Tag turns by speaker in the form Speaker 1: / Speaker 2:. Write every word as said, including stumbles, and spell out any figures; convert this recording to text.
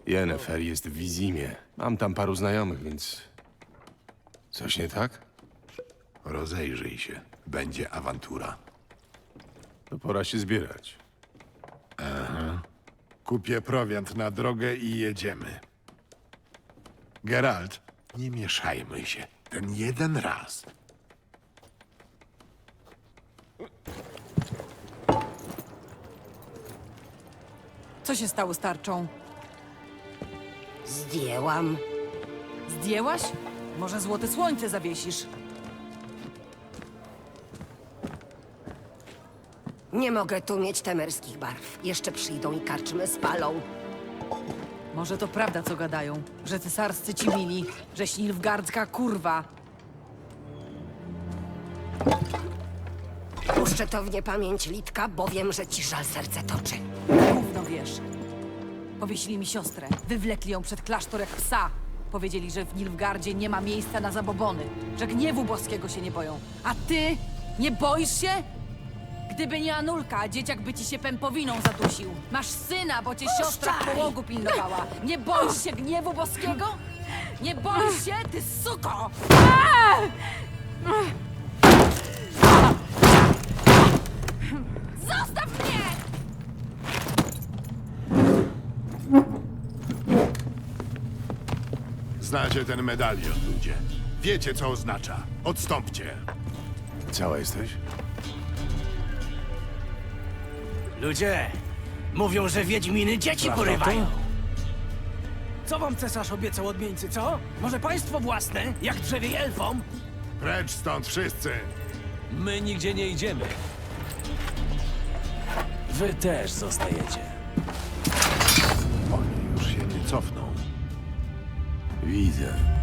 Speaker 1: Yennefer jest w Wizimie. Mam tam paru znajomych, więc... Coś nie tak?
Speaker 2: Rozejrzyj się. Będzie awantura.
Speaker 1: To pora się zbierać.
Speaker 2: Kupię prowiant na drogę i jedziemy. Geralt, nie mieszajmy się. Ten jeden raz.
Speaker 3: Co się stało z tarczą?
Speaker 4: Zdjęłam.
Speaker 3: Zdjęłaś? Może złote słońce zawiesisz?
Speaker 4: Nie mogę tu mieć temerskich barw. Jeszcze przyjdą i karczmy spalą.
Speaker 3: Może to prawda, co gadają, że cesarscy ci mili, że Nilfgaardzka kurwa.
Speaker 4: Puszczę to w niepamięć Litka, bo wiem, że ci żal serce toczy.
Speaker 3: Gówno wiesz. Powiesili mi siostrę, wywlekli ją przed klasztor jak psa. Powiedzieli, że w Nilfgaardzie nie ma miejsca na zabobony, że gniewu boskiego się nie boją. A ty? Nie boisz się? Gdyby nie Anulka, dzieciak by ci się pępowiną zadusił. Masz syna, bo cię siostra w połogu pilnowała. Nie boisz się gniewu boskiego? Nie boisz się, ty suko! Zostaw mnie!
Speaker 2: Znacie ten medalion, ludzie. Wiecie, co oznacza. Odstąpcie.
Speaker 1: Cała jesteś?
Speaker 5: Ludzie, mówią, że wiedźminy dzieci porywają.
Speaker 6: Co wam cesarz obiecał odmieńcy, co? Może państwo własne, jak drzewie elfom?
Speaker 2: Precz stąd wszyscy.
Speaker 7: My nigdzie nie idziemy. Wy też zostajecie.
Speaker 2: Oni już się nie cofną.
Speaker 1: Widzę.